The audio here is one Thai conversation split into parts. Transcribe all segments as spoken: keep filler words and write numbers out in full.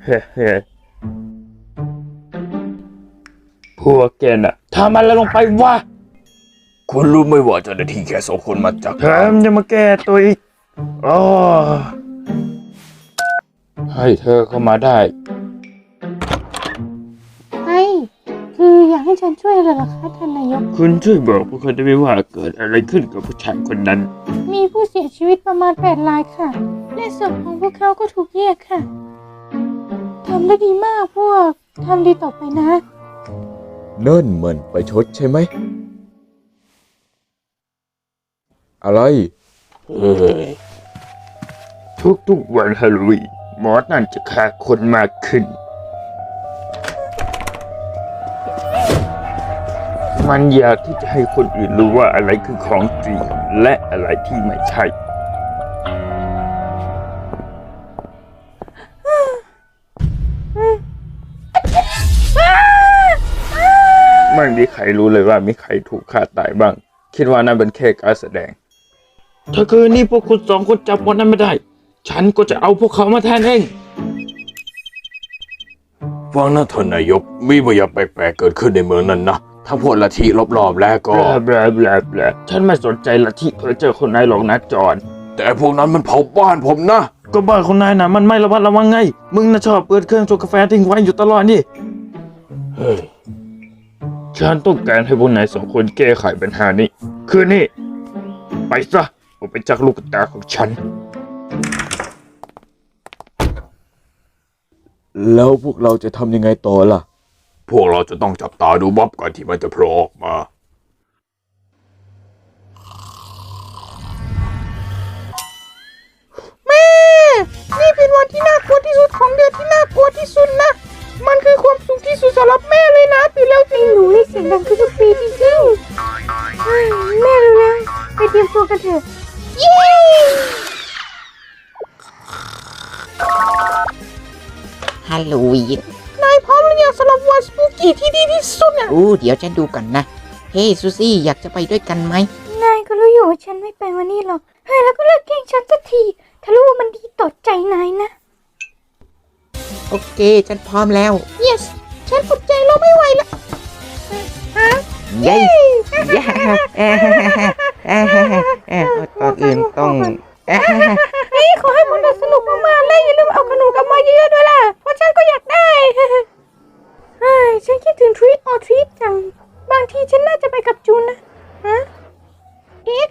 เฮ้เฮ้พวกแกน่ะทำอะไรลงไปวะคุณรู้ไหมว่าเจ้าหน้าที่แค่สองคนมาจากแถมยังมาแก้ตัวอีกอ๋อให้เธอเข้ามาได้ไอ้คืออยากให้ฉันช่วยอะไรเหรอคะท่านนายกคุณช่วยบอกพวกเขาได้ไหมว่าเกิดอะไรขึ้นกับผู้ชายคนนั้นมีผู้เสียชีวิตประมาณแปดรายค่ะและศพของพวกเขาก็ถูกแยกค่ะทำได้ดีมากพวกทำดีต่อไปนะนั่นมันไปชดใช่ไหมอะไรเฮ้ยทุกๆวันฮาโลวีนหมอนั่นจะฆ่าคนมากขึ้นมันอยากที่จะให้คนอื่นรู้ว่าอะไรคือของจริงและอะไรที่ไม่ใช่ไม่มีใครรู้เลยว่ามีใครถูกฆ่าตายบ้างคิดว่านั่นเป็นแค่การแสดงถ้าคืนนี้พวกคุณสองคนจับหมดนั้นไม่ได้ฉันก็จะเอาพวกเขามาแทนเองฟังนะท่านนายกมีบางอย่างแปลกๆเกิดขึ้นในเมืองนั้นนะทั้งพวกลัทธิรอบๆแล้วก็แบลแบลแบลฉันไม่สนใจลัทธิเพ้อเจ้อคนนายหรอกนะจอนแต่พวกนั้นมันเผาบ้านผมนะก็บ้านคนนายนะมันไม่ระมัดระวังไงมึงน่ะชอบเปิดเครื่องชงกาแฟทิ้งไว้อยู่ตลอดนี่เฮ้ยฉันต้องการให้พวกนายสองคนแก้ไขปัญหานี้คืนนี้ไปซะออกไปจากลูกตาของฉันแล้วพวกเราจะทำยังไงต่อล่ะพวกเราจะต้องจับตาดูบ๊อบก่อนที่มันจะโผล่ออกมาแม่นี่เป็นวันที่น่ากลัวที่สุดของเดือนที่น่ากลัวที่สุดนะมันคือความสุขที่สุดสำหรับแม่เลยนะตื่นแล้วจริงหนูให้เสียงดังทุกปีจริงๆแม่เร็วๆไปเตรียมตัวกันเถอะเย้ฮัลโหลวีนนายพร้อมหรือยังสำหรับวันสปูกี้ที่ดีที่สุดอ่ะอู้เดี๋ยวฉันดูก่อนนะเฮ้ซูซี่อยากจะไปด้วยกันไหมนายก็รู้อยู่ว่าฉันไม่ไปวันนี้หรอกเฮ้ยแล้วก็เลิกแกล้งฉันสักทีถ้ารู้ว่ามันดีต่อใจนายนะโอเคฉันพร้อมแล้ว yes ฉันอดใจเราไม่ไหวแล้วฮะเย้เย้เอ๊ะเอ๊ะเอ๊ะก่อนอื่นต้องเฮ้ยขอให้มันสนุกมากๆเลยอย่าลืมเอาขนมกลับมาเยอะๆด้วยล่ะเพราะฉันก็อยากได้เฮ้ยฉันคิดถึง treat or treat จังบางทีฉันน่าจะไปกับจูนนะฮะเอ๊ะ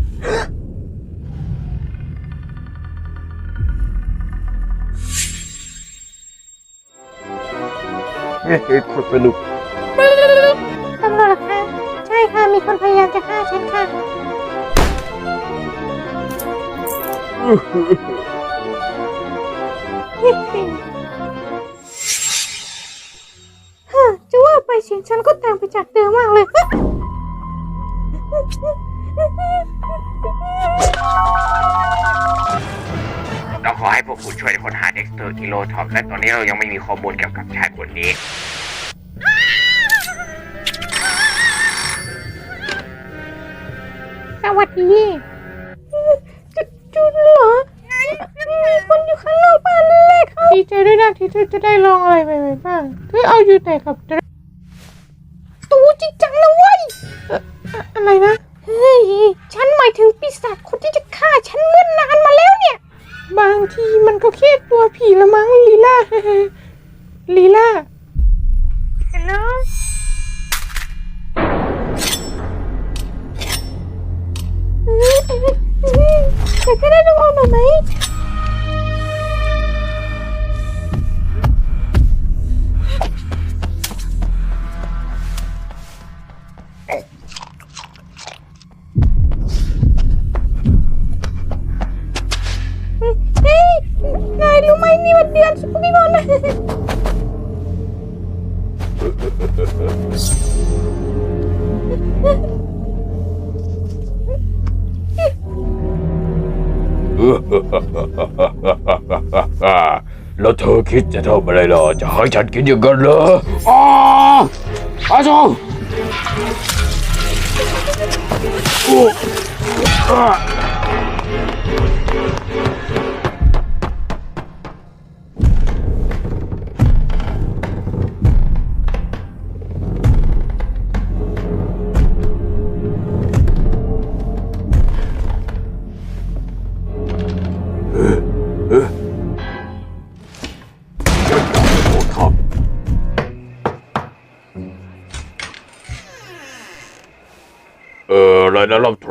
เฮ้ยคนสนุกตำรวจค่ะใช่ค่ะมีคนพยายามจะฆ่าฉันค่ะฮะจะว่าไปเสียงฉันก็ต่างไปจากเดิมมากเลยเราขอให้พวกคุณช่วยค้นหาเด็กสเตอร์กิโลท็อปและตอนนี้เรายังไม่มีข้อมูลเกี่ยวกับชายคนนี้สวัสดีจุดจุดเหรอมีคนอยู่ข้างนอกบ้านเลยครับดีใจด้วยนะที่เธอจะได้ลองอะไรใหม่ๆบ้างเธอเอาอยู่ไหนครับตูจริงจังนะเว้ยอะไรนะเฮ้ยฉันหมายถึงปีศาจคนที่จะฆ่าฉันเมื่อนานมาแล้วเนี่ยบางทีมันก็แค่ตัวผีละมั้งลีล่าลีล่าฮัลโหลแต่ก็ได้ต้องออกมาไหมเฮ้ยนายรู้ไหมนี่มันเดือนสปูกี้มอนนะแล้วเธอคิดจะทำอะไรล่ะจะให้ฉันกินอย่างนั้นเหรออ้าอาจารย์โอ้อา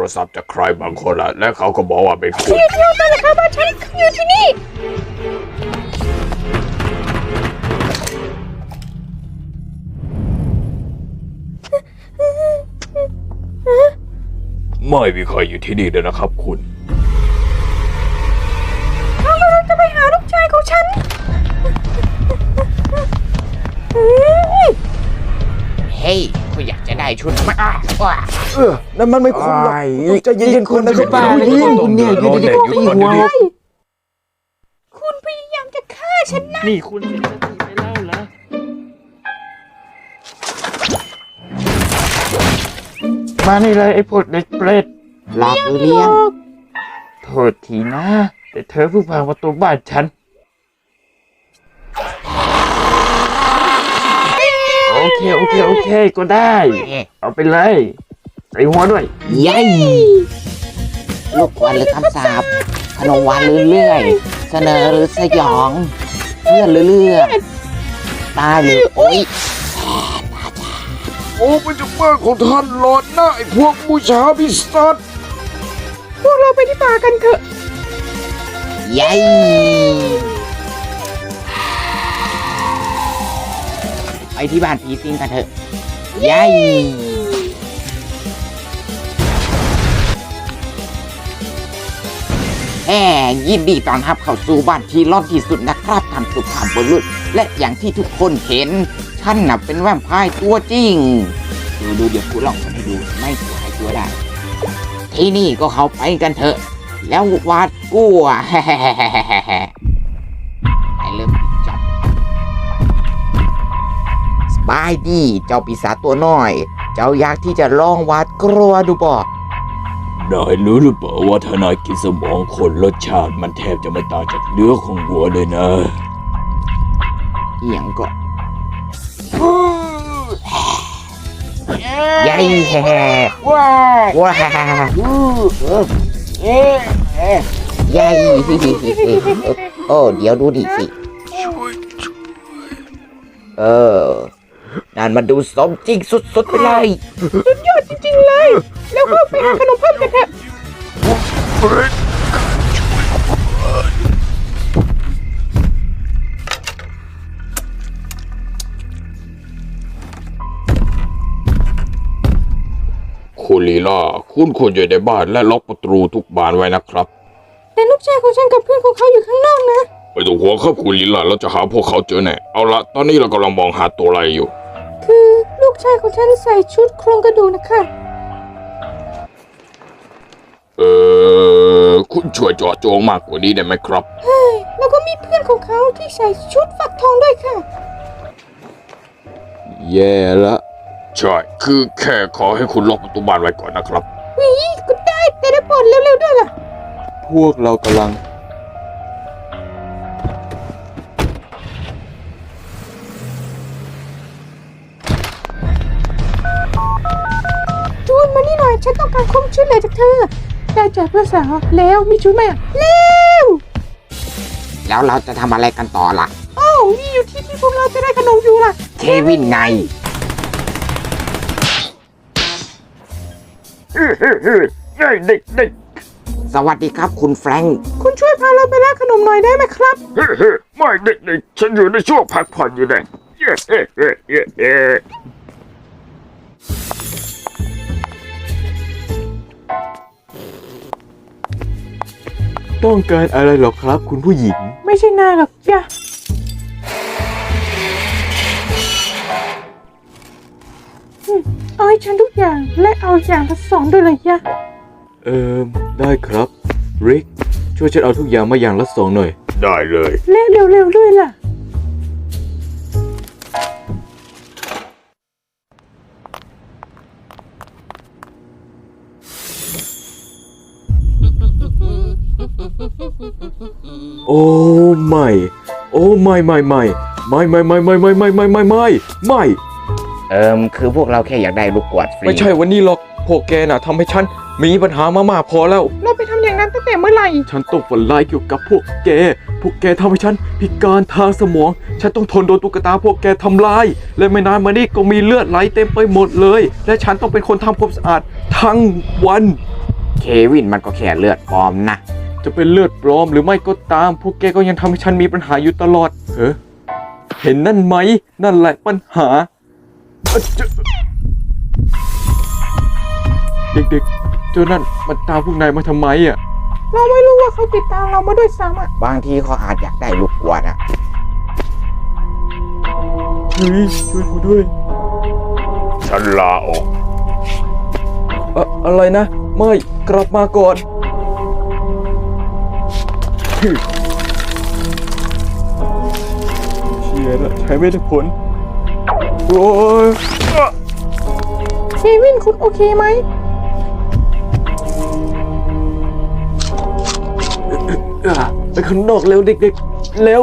ศัพท์จากใครบางคนละและเขาก็บอกว่าเป็นคุณเที่ยวกันนะคะบ้านฉันอยู่ที่นี่ไม่มีใครอยู่ที่นี่เลยนะครับคุณเรากำลังจะไปหาลูกชายของฉันเฮ้ยคุณอยากจะได้ชุดมาอ้าวว้าเออนั่นมันไม่คุ้มหรอกจะยิงคนนะครับบ้าเลยคุณเนี่ยอยู่ดีๆก็ตีหัวคุณพยายามจะฆ่าฉันนะนี่คุณเสียสติไปแล้วเหรอมานี่เลยไอ้พวกเด็กเปรตหลอกหรือเลี้ยงโทษทีนะ แต่เธอเพิ่งพังประตูบ้านฉัน โอเค โอเค โอเคก็ได้ เอาไปเลยใส่หัวด้วยยัยลูกควันหรือคำสาปขนมหวานหรือเลื่อย เสนอหรือสยอง เพื่อนหรือเลือดตายหรือโอ๊ยโอ้มันจะเมื่อของท่านหลอดหน้าไอ้พวกบูชาพิสัตพวกเราไปที่ป่ากันเถอะยัยไปที่บ้านผีสิงกันเถอะยัยแหมยินดีต้อนรับเข้าสู่บ้านที่ร้อนที่สุดนะครับท่านสุภาพบุรุษและอย่างที่ทุกคนเห็นท่านน่ะเป็นแวมไพร์ตัวจริง ดูดูเดี๋ยวกูลองกันให้ดูไม่ตัวให้ตัวได้ ที่นี่ก็เข้าไปกันเถอะ แล้ววาดกลัว ไอ้เริ่มจับสบายดีเจ้าปีศาจตัวน้อย เจ้าอยากที่จะลองวาดกลัวดูบ่นายรู้หรือเปล่าว่าถ้านายกินสมองคนรสชาติมันแทบจะไม่ต่างจากเนื้อของวัวเลยนะเอียงก็ยัยแฮ่ว้าว้ายัยโอ้เดี๋ยวดูดิสิเออนั่นมันดูสมจริงสุดๆไปเลยสุดยอดจริงๆเลย แล้วก็ไปหาขนมเพิ่มกันเถอะคุณลีลาคุณควรอยู่ในบ้านและล็อกประตูทุกบานไว้นะครับแต่ลูกชายของฉันกับเพื่อนของเขาอยู่ข้างนอกนะไม่ต้องห่วงครับคุณลีลาเราจะหาพวกเขาเจอแน่เอาละตอนนี้เรากำลังมองหาตัวอะไรอยู่คือลูกชายของฉันใส่ชุดโครงกระดูกนะคะเออคุณช่วยเจาะจงมากกว่านี้ได้ไหมครับแล้วก็มีเพื่อนของเขาที่ใส่ชุดฝักทองด้วยค่ะแย่ละใช่คือแค่ขอให้คุณล็อกประตูบ้านไว้ก่อนนะครับวิก็ได้แต่ได้โปรดเร็วๆด้วยล่ะพวกเรากำลังจูนมานี่หน่อย ฉันต้องการความช่วยเหลือจากเธอ ได้จากเพื่อนสาวแล้วมีชุดไหมอ่ะเร็วแล้วเราจะทำอะไรกันต่อล่ะโอ้นี่อยู่ที่ที่พวกเราจะได้ขนมอยู่ล่ะเควินไงเฮ้เฮ้เฮ้เฮ้เด็กเด็กสวัสดีครับคุณแฟรงค์คุณช่วยพาเราไปร้านขนมหน่อยได้ไหมครับเฮ้เฮ้ไม่เด็กเด็กฉันอยู่ในช่วงพักผ่อนอยู่เนี่ยเฮ้เฮ้เฮ้เฮ้เฮ้ต้องการอะไรหรอครับคุณผู้หญิงไม่ใช่นายหรอกจ้ะอืมเอาให้ฉันทุกอย่างและเอาอย่างละสองด้วยเลยจ้ะเอิมได้ครับริกช่วยฉันเอาทุกอย่างมาอย่างละสองหน่อย ได้เลยและเร็วๆด้วยล่ะโอ้ไม่โอ้ไม่ไม่ไม่ไม่ไม่ไม่ไม่ไม่ไม่ไม่ไม่ไม่ไม่เอิมคือพวกเราแค่อยากได้ลูกกวาดฟรีไม่ใช่วันนี้หรอกพวกแกน่ะทำให้ฉันมีปัญหามามากพอแล้วเราไปทำอย่างนั้นตั้งแต่เมื่อไหร่ฉันต้องฝันร้ายเกี่ยวกับพวกแก พวกแกทำให้ฉันพิการทางสมอง ฉันต้องทนโดนตุ๊กตาพวกแกทำลาย และไม่นานมานี้ก็มีเลือดไหลเต็มไปหมดเลย และฉันต้องเป็นคนทำความสะอาดทั้งวันเควินมันก็แค่เลือดปลอมนะจะเป็นเลือดปลอมหรือไม่ก็ตาม พวกแกก็ยังทำให้ฉันมีปัญหาอยู่ตลอดเฮ้เห็นนั่นไหม นั่นแหละปัญหาอะเจ้าเด็กๆ เจ้านั่นมันตามพวกนายมาทำไมอ่ะเราไม่รู้ว่าเขาติดตามเรามาด้วยซ้ำอ่ะบางทีเขาอาจอยากได้ลูกกวาดอะเฮ้ยช่วยกูด้วยฉันลาออกอะอะไรนะ ไม่กลับมาก่อนฮึเชียร์ละใช้ไม่ได้ผล โอ้ยเควินคุณโอเคไหมอ่ะไปข้างนอกเร็วเด็กๆ เร็ว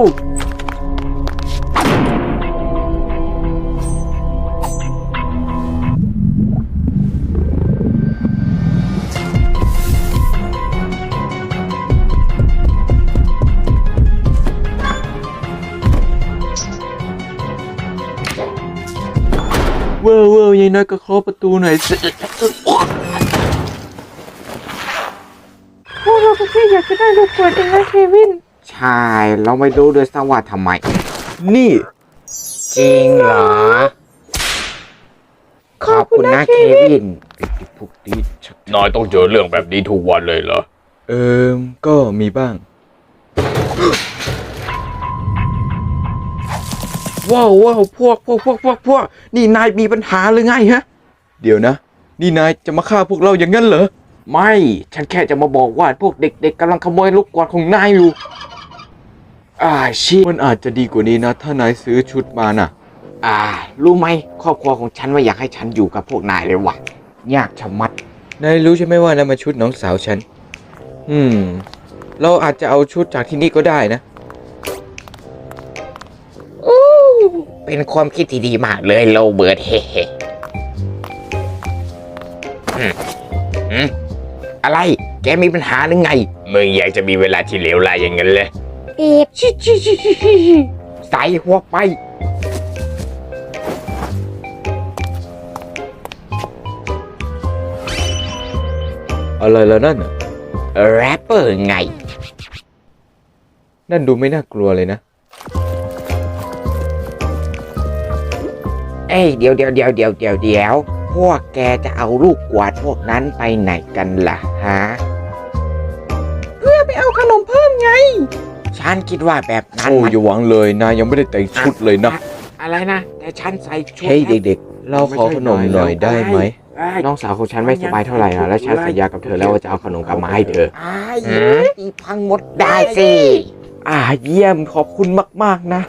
เว้าวเว้าวยายน้อยก็เคาะประตูหน่อยสิพวกเราก็แค่อยากจะได้ลูกกวาดเองนะเควินใช่เราไม่รู้ด้วยซ้ำว่าทำไมนี่จริงเหรอ ขอบคุณนะเควินติดพวกนี้ชักนายต้องเจอเรื่องแบบนี้ทุกวันเลยเหรอเอิมก็มีบ้าง ว้าวว้าวพวกพวกพวกพวกพวกนี่นายมีปัญหาหรือไงฮะ เดี๋ยวนะ นี่นายจะมาฆ่าพวกเราอย่างนั้นเหรอ ไม่ ฉันแค่จะมาบอกว่าพวกเด็กๆกำลังขโมยลูกกวาดของนายอยู่ อ่าชิมันอาจจะดีกว่านี้นะ ถ้านายซื้อชุดมาน่ะอ่า รู้ไหมครอบครัวของฉันว่าอยากให้ฉันอยู่กับพวกนายเลยว่ะ ยากชะมัดนายรู้ใช่ไหมว่านั่นมันชุดน้องสาวฉัน อืม เราอาจจะเอาชุดจากที่นี่ก็ได้นะเป็นความคิดที่ดีมากเลยโรเบิร์ตเฮ้เฮ้อืมอืมอะไร แกมีปัญหาหรือไง มึงอยากจะมีเวลาที่เหลวไหลอย่างนั้นเลยเอกชิชิชิชิชิชิใส่หัวไปอะไรแล้วนั่นน่ะแรปเปอร์ไงนั่นดูไม่น่ากลัวเลยนะเอ้ยเดี๋ยวเดี๋ยวเดี๋ยวเดี๋ยวเดี๋ยวเดี๋ยวพวกแกจะเอาลูกกวาดพวกนั้นไปไหนกันล่ะฮะเพื่อไปเอาขนมเพิ่มไงฉันคิดว่าแบบนั้นโอ้มันอย่าหวังเลย นายยังไม่ได้แต่งชุดเลยนะอะไรนะ แต่ฉันใส่ชุดเฮ้ยเด็กๆ เราขอขนมหน่อยได้ไหมน้องสาวของฉันไม่สบายเท่าไหร่นะและฉันสัญญากับเธอแล้วว่าจะเอาขนมกลับมาให้เธออ้ายอีพังหมดได้สิอ่าเยี่ยมขอบคุณมากๆนะ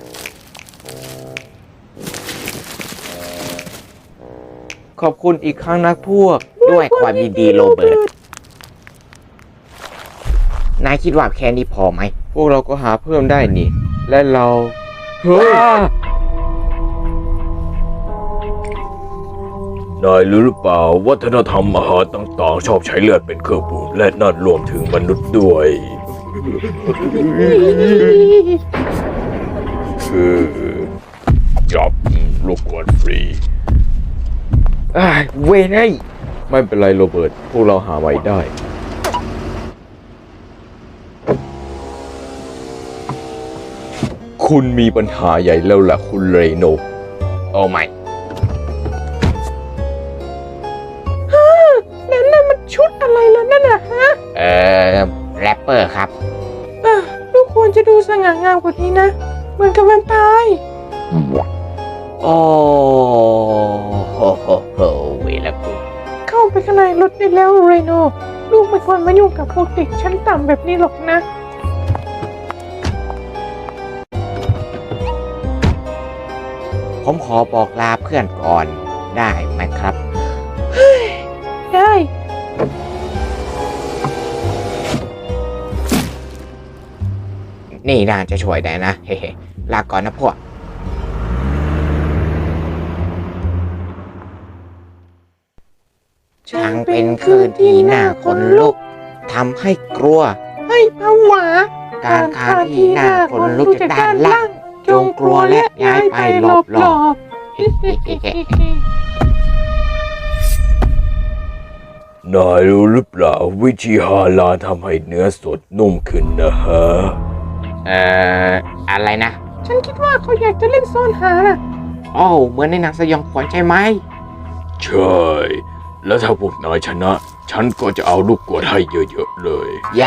ขอบคุณอีกครั้งนะพวกด้วยความยินดีโรเบิร์ต นายคิดว่าแค่นี้พอไหมพวกเราก็หาเพิ่มได้นี่ และเรา เฮ้ยนายรู้หรือเปล่าวัฒนธรรมอาหารต่างๆ ชอบใช้เลือดเป็นเครื่องปรุงและนั่นรวมถึงมนุษย์ด้วย คือจับลูกกวาดฟรีอ้ายเว้ยไอ้ไม่เป็นไรโรเบิร์ต พวกเราหาไว้ได้ คุณมีปัญหาใหญ่แล้วล่ะคุณเรโนโอ้ไม่นั่นน่ะมันชุดอะไรแล้วนั่นน่ะฮะเอ่อแรปเปอร์ครับอ่ะลูกควรจะดูสง่างามกว่านี้นะ เหมือนกับแวมไพร์โอ้โหโหโหเวลากูเข้าไปข้างในรถได้แล้วเรโน ลูกไม่ควรมายุ่งกับพวกเด็กชั้นต่ำแบบนี้หรอกนะผมขอบอกลาเพื่อนก่อนได้ไหมครับได้นี่น่าจะช่วยได้นะ เฮ้ลาก่อนนะพวก ช่างเป็นคืนที่น่าขนลุกทำให้กลัวให้ผวาการคานที่น่าขนลุกจากด้านล่าง จงกลัวและย้ายไปหลบหลบนายรู้หรือเปล่าวิธีฮาลาลทำให้เนื้อสดนุ่มขึ้นนะฮะเอ่อ อะไรนะฉันคิดว่าเขาอยากจะเล่นซ่อนหาน่ะอ้าวเหมือนในหนังสยองขวัญใช่ไหมใช่ แล้วถ้าพวกนายชนะ ฉันก็จะเอาลูกกวดให้เยอะๆเลยใหญ่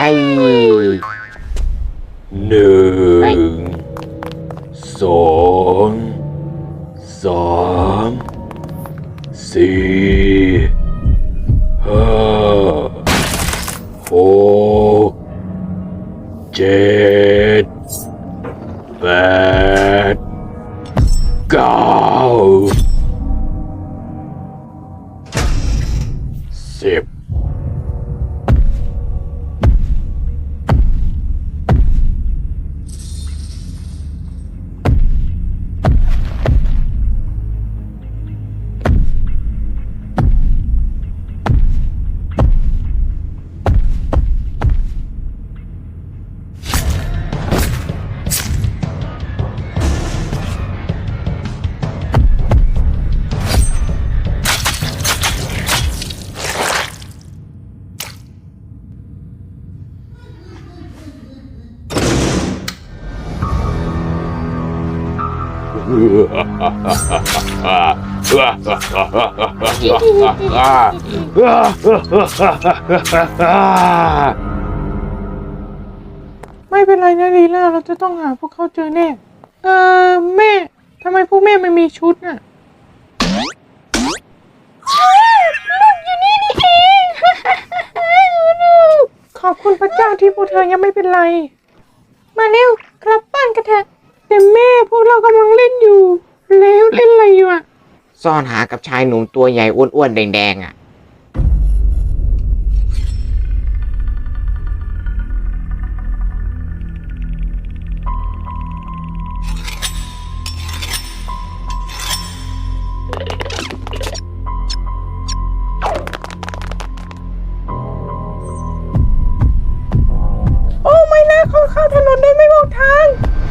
หนึ่งสองสามสี่ห้าหกเจ็ดแปดเก้าสิบไม่เป็นไรนะลีล่าเราจะต้องหาพวกเขาเจอแน่ เออแม่ทำไมพวกแม่ไม่มีชุดน่ะลูกอยู่นี่นี่เองลูกขอบคุณพระเจ้าที่พวกเธอยังไม่เป็นไร มาเร็วกลับบ้านกันเถอะแต่แม่พวกเรากำลังเล่นอยู่ แล้วเล่นอะไรอยู่อ่ะซ่อนหากับชายหนุ่มตัวใหญ่อ้วนๆแดงๆอ่ะโอ้ไม่นะเขาเข้าถนนโดยไม่บอกทาง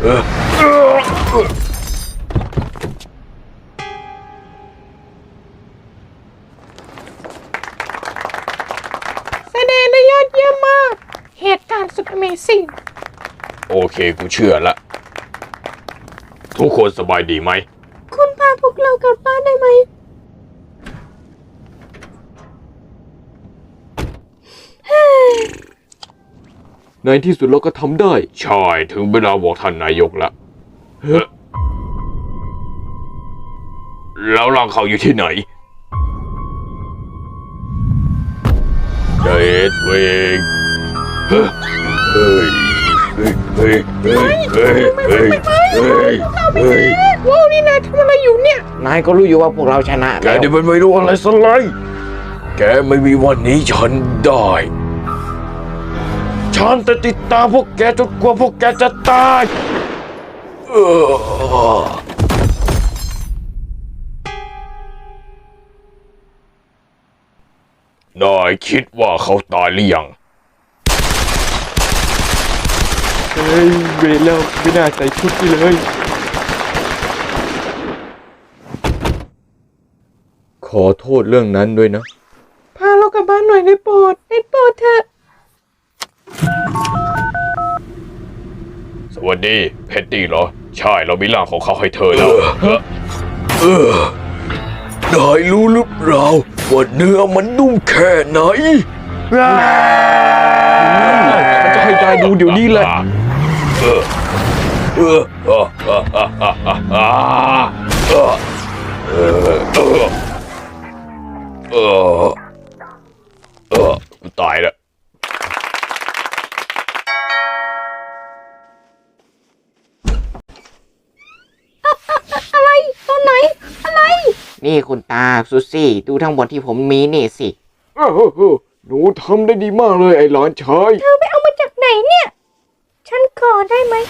แสดงได้ยอดเยี่ยมมาก เหตุการณ์สุด Amazing โอเคกูเชื่อละ ทุกคนสบายดีไหมคุณพาพวกเรากลับบ้านได้ไหมในที่สุดเราก็ทำได้ใช่ถึงเวลาบอกท่านนายกละเฮ้อแล้วร่างเขาอยู่ที่ไหนเดดเวงเฮ้ยเฮ้ยเฮ้ยเฮ้ยเฮ้ยเฮ้ยเฮ้ยเฮ้ยเฮ้ยว้าวนี่นายทำอะไรอยู่เนี่ยนายก็รู้อยู่ว่าพวกเราชนะแกแล้วนี่มันไม่รู้อะไรสักเลยแกไม่มีวันนี้ฉันได้ ฉันจะติดตามพวกแกจนกว่าพวกแกจะตายเออนายคิดว่าเขาตายหรือยังเฮ้ยเวรแล้วไม่น่าใส่ชุดนี่เลย ขอโทษเรื่องนั้นด้วยนะพาเรากลับบ้านหน่อยได้โปรดได้โปรดเถอะสวัสดีเพตตี้เหรอ ใช่เรามีร่างของเขาให้เธอแล้วเออนายรู้หรือเปล่าว่าเนื้อมันนุ่มแค่ไหนฉันจะให้นายดูเดี๋ยวนี้เลยเออเออเออเออเออเออเออเออเออเออกูตายแล้วอะไรตอนไหน อะไรนี่คุณตาซูซี่ดูทั้งหมดที่ผมมีนี่สิอ้าวหนูทำได้ดีมากเลยไอ้หลานชายเธอไปเอามาจากไหนเนี่ย ฉันขอได้ไหม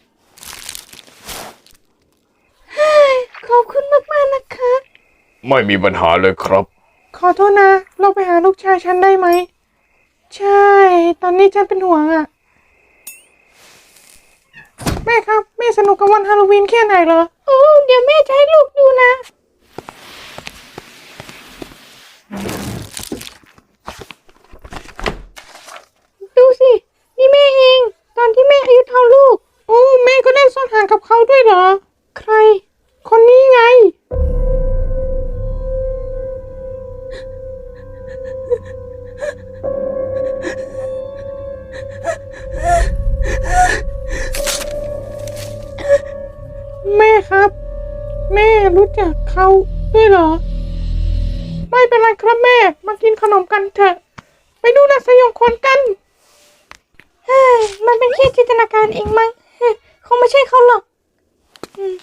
เฮ้ยขอบคุณมากๆนะคะไม่มีปัญหาเลยครับขอโทษนะ เราไปหาลูกชายฉันได้ไหม ใช่ ตอนนี้ฉันเป็นห่วงอะแม่ครับ แม่สนุกกับวันฮาโลวีนแค่ไหนเหรอ โอ้เดี๋ยวแม่จะให้ลูกดูนะอายุเท่าลูก โอ้แม่ก็ได้ซ่อนห่างกับเขาด้วยเหรอ ใคร คนนี้ไง แม่ครับ แม่รู้จักเขาด้วยเหรอ ไม่เป็นไรครับแม่ มากินขนมกันเถอะ ไปดูนางสยองขวัญกัน เฮ้ยมันเป็นแค่จินตนาการเองมั้งเฮ้ยคงไม่ใช่เขาหรอกอืม